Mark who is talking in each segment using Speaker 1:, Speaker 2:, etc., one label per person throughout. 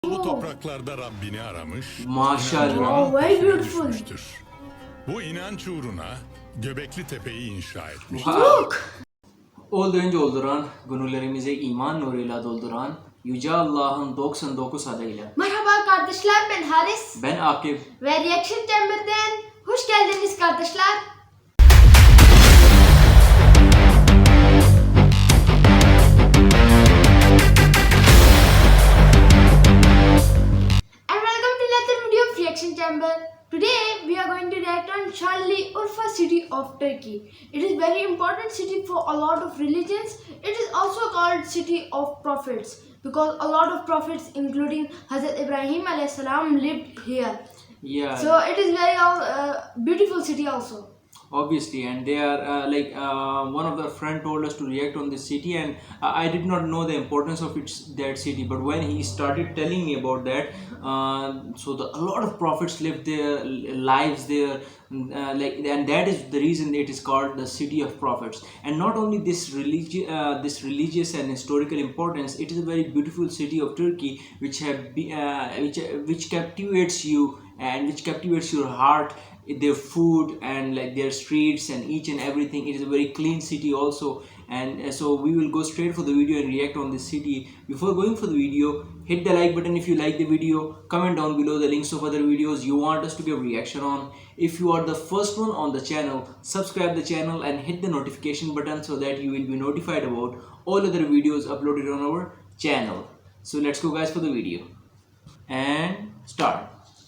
Speaker 1: Bu topraklarda Rabbini aramış,
Speaker 2: Maşallah.
Speaker 3: Oh, very beautiful.
Speaker 1: düşmüştür. Bu inanç uğruna Göbekli Tepe'yi inşa etmiştir.
Speaker 2: Wow. Öldürünce olduran, gönüllerimize iman nuruyla dolduran, Yüce Allah'ın 99 adıyla.
Speaker 3: Merhaba kardeşler, ben Haris
Speaker 2: Ben Akif.
Speaker 3: ve Reaction Chamber'den hoş geldiniz kardeşler. And welcome to another video of Reaction Chamber. Today we are going to react on Charlie Urfa city of Turkey. It is very important city for a lot of religions. It is also called city of prophets because a lot of prophets including Hazrat Ibrahim alayhi salam lived here.
Speaker 2: Yeah.
Speaker 3: So it is very beautiful city also.
Speaker 2: Obviously, and they are one of the friend told us to react on this city, and I did not know the importance of that city, but when he started telling me about that, a lot of prophets lived their lives there, and that is the reason it is called the city of prophets. And not only this religious and historical importance, it is a very beautiful city of Turkey which which captivates you and which captivates your heart. Their food and like their streets and each and everything, it is a very clean city also. And so we will go straight for the video and react on this city. Before going for the video, hit the like button if you like the video, comment down below the links of other videos you want us to give reaction on. If you are the first one on the channel, subscribe the channel and hit the notification button so that you will be notified about all other videos uploaded on our channel. So let's go guys for the video and start.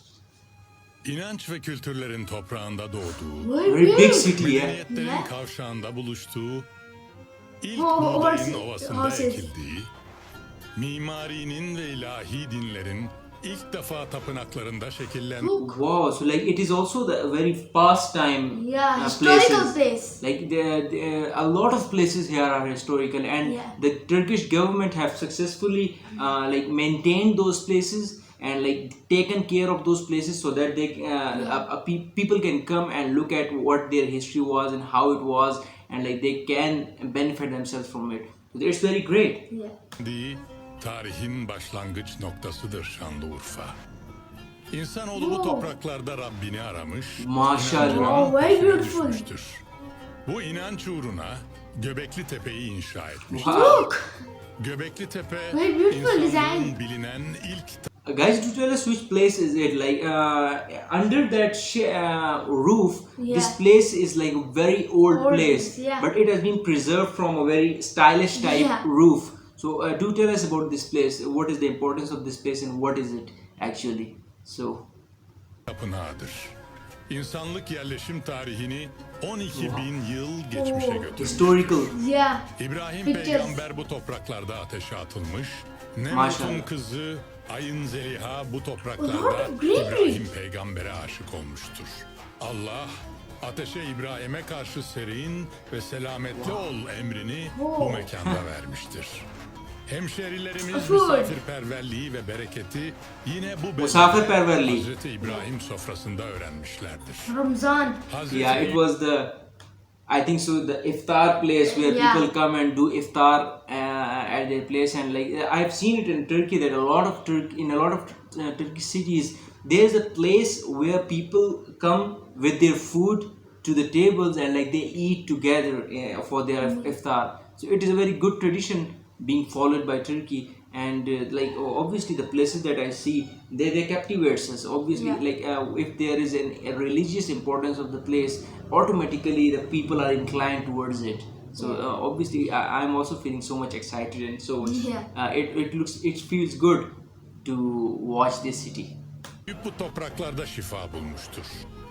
Speaker 1: İnanç ve kültürlerin toprağında doğduğu,
Speaker 2: Very big city, yeah.
Speaker 1: medeniyetlerin
Speaker 3: Yeah.
Speaker 1: kavşağında buluştuğu, ilk
Speaker 3: Oh,
Speaker 1: buğdayın
Speaker 3: horses.
Speaker 1: ovasında
Speaker 3: Horses.
Speaker 1: ekildiği, mimarinin ve ilahi dinlerin ilk defa tapınaklarında şekillen...
Speaker 3: Look,
Speaker 2: Wow, so like it is also the very past time
Speaker 3: yeah, historical
Speaker 2: places.
Speaker 3: place.
Speaker 2: Like a lot of places here are historical, and
Speaker 3: Yeah.
Speaker 2: the Turkish government have successfully like maintained those places and like taken care of those places so that they people can come and look at what their history was and how it was, and like they can benefit themselves from it. So it's very great.
Speaker 3: Yeah.
Speaker 1: Tarihin başlangıç noktasıdır Şanlıurfa. İnsanoğlu bu
Speaker 3: Oh.
Speaker 1: topraklarda Rabbini aramış,
Speaker 2: Maşallah.
Speaker 1: inancının
Speaker 3: Oh, very
Speaker 1: peşine
Speaker 3: beautiful.
Speaker 1: düşmüştür. Bu inanç uğruna Göbekli Tepe'yi inşa etmiş.
Speaker 2: Wow.
Speaker 3: Look,
Speaker 1: Göbekli Tepe,
Speaker 3: Very beautiful
Speaker 1: insanlığın
Speaker 3: design.
Speaker 1: bilinen ilk
Speaker 2: Guys, do tell us which place is it? Like under that roof,
Speaker 3: Yeah.
Speaker 2: this place is like a very old
Speaker 3: Old,
Speaker 2: place,
Speaker 3: yeah.
Speaker 2: but it has been preserved from a very stylish type
Speaker 3: Yeah.
Speaker 2: roof. So do tell us about this place. What is the importance of this place and what is it actually? So
Speaker 1: tapınağıdır. İnsanlık yerleşim tarihini 12 bin yıl geçmişe
Speaker 3: Oh.
Speaker 1: götürmüş.
Speaker 2: historical.
Speaker 3: yeah.
Speaker 1: İbrahim
Speaker 3: Pictures.
Speaker 1: peygamber bu topraklarda ateşe atılmış. Nemrut'un
Speaker 2: Maşallah.
Speaker 1: kızı Ayın Zeliha bu
Speaker 3: A lot
Speaker 1: topraklarda
Speaker 3: of greenery.
Speaker 1: İbrahim peygambere aşık olmuştur. Allah ateşe İbrahim'e karşı serin ve selametli ol emrini bu mekanda vermiştir. Hemşerilerimiz
Speaker 3: Food.
Speaker 1: misafirperverliği ve bereketi yine bu
Speaker 2: Misafirperverliği.
Speaker 1: Hazreti İbrahim sofrasında öğrenmişlerdir.
Speaker 3: Ramzan.
Speaker 1: Hazreti
Speaker 2: Yeah, it was I think so, the iftar place where
Speaker 3: Yeah.
Speaker 2: people come and do iftar at their place. And like I've seen it in Turkey that a lot of Turkish cities, there's a place where people come with their food to the tables and like they eat together for their iftar. So it is a very good tradition being followed by Turkey. And obviously the places that I see, they captivates us. Obviously,
Speaker 3: Yeah.
Speaker 2: if there is a religious importance of the place, automatically the people are inclined towards it. So obviously I'm also feeling so much excited and so much.
Speaker 3: Yeah.
Speaker 2: It feels good to watch this city.
Speaker 1: bu topraklarda şifa bulmuştur.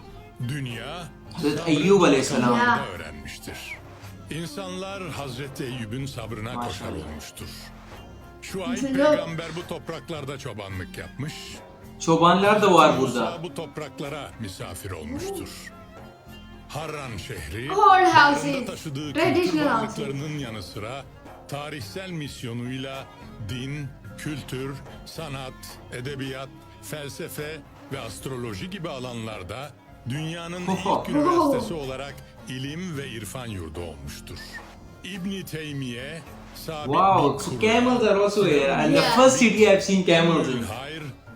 Speaker 1: Dünya
Speaker 2: Hazreti
Speaker 1: sabrın
Speaker 2: Eyyub Aleyhisselam.
Speaker 1: kazanımında
Speaker 3: Yeah.
Speaker 1: öğrenmiştir. İnsanlar Hazreti Eyyub'un sabrına koşar
Speaker 2: Maşallah.
Speaker 1: olmuştur. Şuayb
Speaker 3: Güzel.
Speaker 1: peygamber bu topraklarda çobanlık yapmış.
Speaker 2: Çobanlar da var
Speaker 1: Musa
Speaker 2: burada.
Speaker 1: bu topraklara misafir olmuştur. Harran şehri,
Speaker 3: Old
Speaker 1: bağrında
Speaker 3: houses.
Speaker 1: taşıdığı kültür
Speaker 3: Traditional houses.
Speaker 1: varlıklarının yanı sıra tarihsel misyonuyla din, kültür, sanat, edebiyat, felsefe ve astroloji gibi alanlarda dünyanın ilk üniversitesi olarak ilim ve irfan yurdu olmuştur. İbn Teymiye, sabit
Speaker 2: Wow,
Speaker 1: bir
Speaker 2: so
Speaker 1: Kur'an,
Speaker 2: camels are also here. And
Speaker 3: Yeah.
Speaker 2: the first city I've seen camels in.
Speaker 1: hayır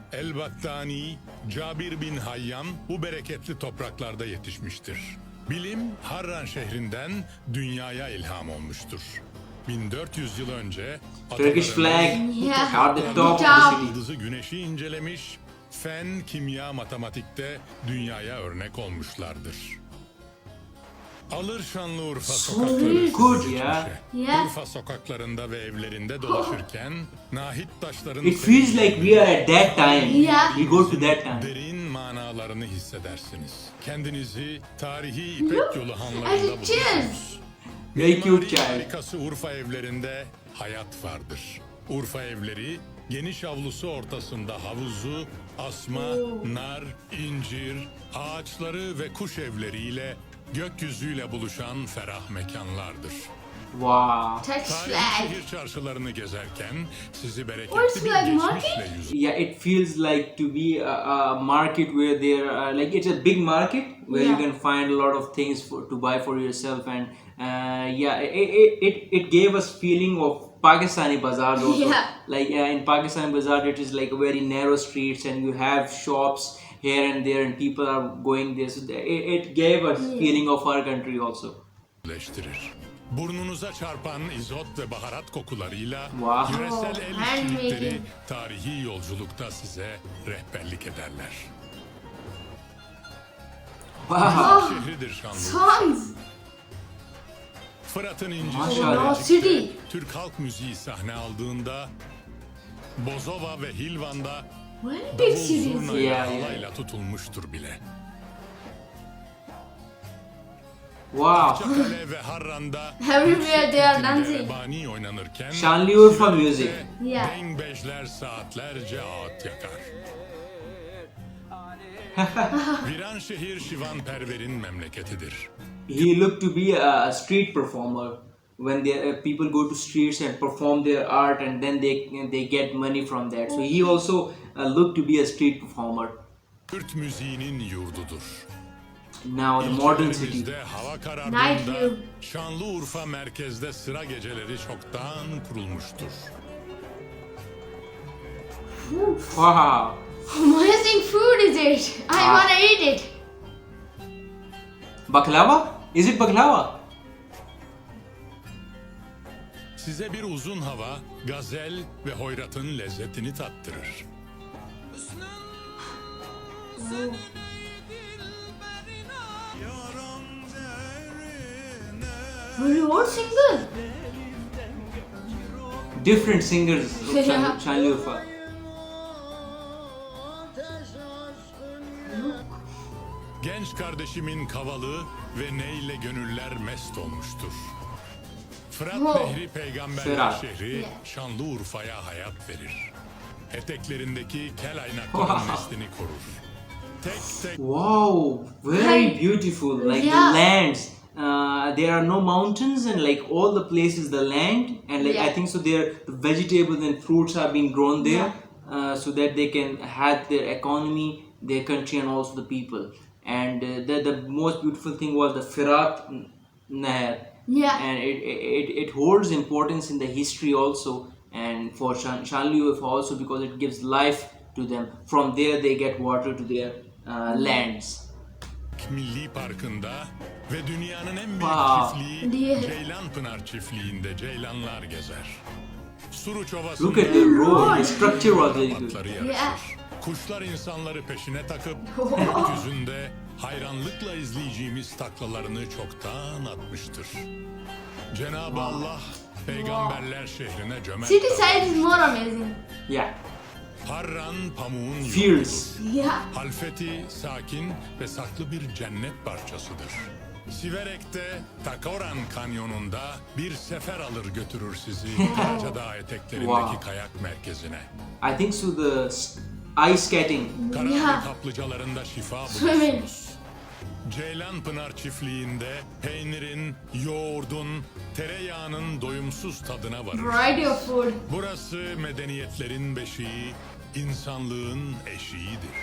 Speaker 1: El-Battani, Cabir bin Hayyan bu bereketli topraklarda yetişmiştir. Bilim Harran şehrinden dünyaya ilham olmuştur. 1400 yıl önce
Speaker 2: Turkish flag
Speaker 1: bu
Speaker 3: Yeah.
Speaker 2: at the
Speaker 1: topraklarda
Speaker 2: top of the
Speaker 3: Good
Speaker 2: city.
Speaker 1: yıldızı güneşi incelemiş, fen, kimya, matematikte dünyaya örnek olmuşlardır. Alır Şanlıurfa sokakları
Speaker 2: good,
Speaker 1: sizi
Speaker 2: yeah.
Speaker 1: geçmişe.
Speaker 3: Yeah.
Speaker 1: Urfa sokaklarında ve evlerinde dolaşırken nahit taşların
Speaker 2: It feels like we are at that time.
Speaker 3: Yeah.
Speaker 2: We go to that time.
Speaker 1: derin manalarını hissedersiniz. Kendinizi tarihi İpek Yolu
Speaker 3: As
Speaker 1: hanlarında
Speaker 3: it is.
Speaker 1: bulursunuz.
Speaker 2: Very cute
Speaker 1: Mimari
Speaker 2: child.
Speaker 1: harikası Urfa evlerinde hayat vardır. Urfa evleri geniş avlusu ortasında havuzu, asma, nar, incir, ağaçları ve kuş evleriyle gökyüzüyle buluşan ferah mekanlardır.
Speaker 2: Wow.
Speaker 3: Turkish
Speaker 1: Tarihi
Speaker 3: flag.
Speaker 1: şehir çarşılarını gezerken sizi
Speaker 3: What's
Speaker 1: bereketli bir
Speaker 3: flag
Speaker 1: geçmişle
Speaker 3: market?
Speaker 1: yüz
Speaker 2: Yeah, it feels like to be a market where there are like it's a big market where you
Speaker 3: Yeah.
Speaker 2: can find a lot of things to buy for yourself, and yeah, it gave us feeling of Pakistani bazaars also.
Speaker 3: Yeah.
Speaker 2: Like in Pakistani bazaar, it is like very narrow streets, and you have shops here and there, and people are going there. So it gave us feeling of our country also.
Speaker 1: leştirir. Burnunuza çarpan izot ve baharat kokularıyla
Speaker 2: Wow.
Speaker 1: yöresel el
Speaker 3: Handmaking.
Speaker 1: işçilikleri tarihi yolculukta size rehberlik ederler.
Speaker 2: Wow.
Speaker 3: Oh,
Speaker 1: Şehridir Şanlıurfa.
Speaker 3: songs.
Speaker 1: Fırat'ın
Speaker 2: Maşallah.
Speaker 1: incisi
Speaker 3: City.
Speaker 1: Bilecik'te Türk halk müziği sahne aldığında Bozova ve Hilvan'da
Speaker 3: Very big
Speaker 1: davul
Speaker 3: cities.
Speaker 1: zurnayla
Speaker 2: Yeah, yeah.
Speaker 1: halayla tutulmuştur bile.
Speaker 2: Wow.
Speaker 1: Çakale ve Harran'da
Speaker 3: Everywhere they are
Speaker 1: ritimde
Speaker 3: dancing.
Speaker 1: rebani oynanırken
Speaker 2: Şanlıurfa music.
Speaker 1: Siirt'te
Speaker 3: Yeah.
Speaker 1: dengbejler saatlerce ağıt yakar. Viranşehir Şivan Perver'in memleketidir.
Speaker 2: He looked to be a street performer when people go to streets and perform their art, and then they get money from that. So he also looked to be a street performer.
Speaker 1: Kürt müziğinin yurdudur.
Speaker 2: Now the modern city.
Speaker 1: İlçelerimizde hava
Speaker 3: Night
Speaker 1: karardığında
Speaker 3: view.
Speaker 1: Şanlıurfa merkezde sıra geceleri çoktan kurulmuştur.
Speaker 2: Wow.
Speaker 3: Amazing food is it? I wanna eat it.
Speaker 2: Baklava? Is it baklava?
Speaker 1: Size bir uzun hava, gazel ve hoyratın lezzetini tattırır.
Speaker 3: Were you all single?
Speaker 2: Different singers of
Speaker 3: Yeah.
Speaker 2: Şanlıurfa.
Speaker 1: Genç kardeşimin kavalı ve neyle gönüller mest olmuştur. Fırat
Speaker 3: Wow.
Speaker 1: Nehri peygamberler
Speaker 2: Fırat.
Speaker 1: şehri
Speaker 3: Yeah.
Speaker 1: Şanlıurfa'ya hayat verir. Eteklerindeki kel aynakların
Speaker 2: Wow.
Speaker 1: neslini korur. Tek tek
Speaker 2: Wow, very
Speaker 3: Right.
Speaker 2: beautiful. Like
Speaker 3: Yeah.
Speaker 2: the lands. There are no mountains, and like all the places, the land, and like I
Speaker 3: Yeah.
Speaker 2: think so. There, the vegetables and fruits are being grown there, so that they can have their economy, their country, and also the people. And the most beautiful thing was the Firat Nehar,
Speaker 3: Yeah.
Speaker 2: and it holds importance in the history also, and for Şanlıurfa also, because it gives life to them. From there, they get water to their lands.
Speaker 1: Milli Parkı'nda ve dünyanın en büyük
Speaker 2: Wow.
Speaker 1: çiftliği
Speaker 3: Yeah.
Speaker 1: Ceylanpınar çiftliğinde ceylanlar gezer. Suruç Ovası'nda
Speaker 2: Look at the road. The structure was very good.
Speaker 1: atları yarışır.
Speaker 3: Yeah.
Speaker 1: Kuşlar insanları peşine takıp gökyüzünde hayranlıkla izleyeceğimiz taklalarını çoktan atmıştır. Cenab-ı Allah peygamberler şehrine cömert
Speaker 3: City side
Speaker 1: davranmıştır.
Speaker 3: is more amazing.
Speaker 2: Yeah.
Speaker 1: Harran pamuğun
Speaker 2: Fierce.
Speaker 1: yurdudur.
Speaker 3: Yeah.
Speaker 1: Halfeti sakin ve saklı bir cennet parçasıdır. Siverek'te Takoran Kanyonu'nda bir sefer alır götürür sizi Karacadağ eteklerindeki
Speaker 2: Wow.
Speaker 1: kayak merkezine.
Speaker 2: I think so. The ice skating.
Speaker 1: Karanlık
Speaker 3: Yeah.
Speaker 1: kaplıcalarında şifa
Speaker 3: Swimming.
Speaker 1: bulursunuz. Ceylanpınar çiftliğinde peynirin, yoğurdun, tereyağının doyumsuz tadına varır.
Speaker 3: Variety of food.
Speaker 1: Burası medeniyetlerin beşiği, insanlığın eşiğidir.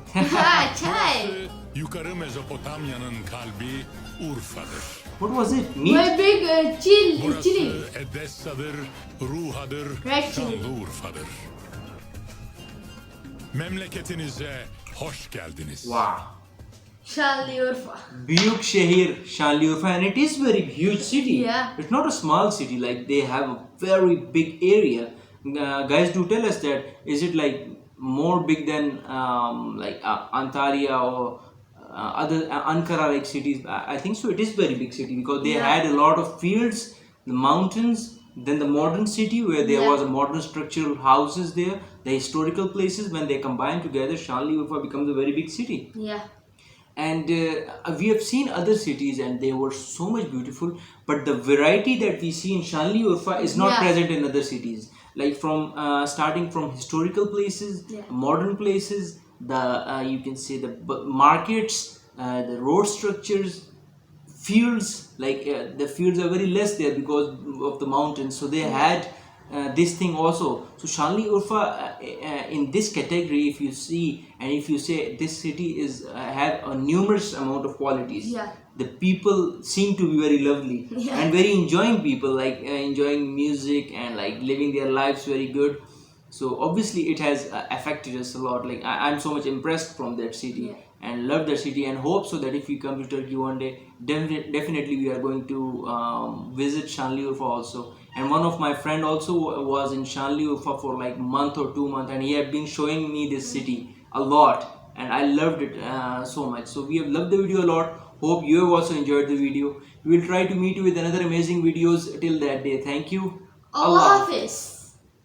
Speaker 3: Chai.
Speaker 1: Yukarı Mezopotamya'nın kalbi Urfa'dır.
Speaker 2: What was it? Meat?
Speaker 3: My big chili.
Speaker 1: Burası
Speaker 3: Chili.
Speaker 1: Edessa'dır, Ruha'dır,
Speaker 3: Red chili.
Speaker 1: Şanlıurfa'dır. Memleketinize hoş geldiniz.
Speaker 2: Wow.
Speaker 3: Şanlıurfa.
Speaker 2: Büyük şehir Şanlıurfa, and it is very huge city.
Speaker 3: Yeah.
Speaker 2: It's not a small city. Like they have a very big area. Guys, do tell us that is it like more big than like Antalya or other Ankara like cities? I think so. It is very big city because they
Speaker 3: Yeah.
Speaker 2: had a lot of fields, the mountains, then the modern city where there
Speaker 3: Yeah.
Speaker 2: was a modern structural houses there, the historical places. When they combine together, Şanlıurfa becomes a very big city.
Speaker 3: Yeah.
Speaker 2: And we have seen other cities and they were so much beautiful, but the variety that we see in Şanlıurfa is not
Speaker 3: Yeah.
Speaker 2: present in other cities, like from starting from historical places,
Speaker 3: Yeah.
Speaker 2: modern places, the you can say the markets, the road structures, fields, like the fields are very less there because of the mountains, so they had this thing also. So Şanlıurfa in this category, if you see and if you say this city is have a numerous amount of qualities.
Speaker 3: Yeah.
Speaker 2: The people seem to be very lovely
Speaker 3: Yeah.
Speaker 2: and very enjoying people, like enjoying music and like living their lives very good. So obviously it has affected us a lot. Like I'm so much impressed from that city.
Speaker 3: Yeah.
Speaker 2: And love that city, and hope so that if we come to Turkey one day, definitely we are going to visit Şanlıurfa also. And one of my friend also was in Şanlıurfa for like month or 2 months, and he had been showing me this city a lot, and I loved it so much. So we have loved the video a lot. Hope you have also enjoyed the video. We will try to meet you with another amazing videos till that day. Thank you.
Speaker 3: Allah Hafiz.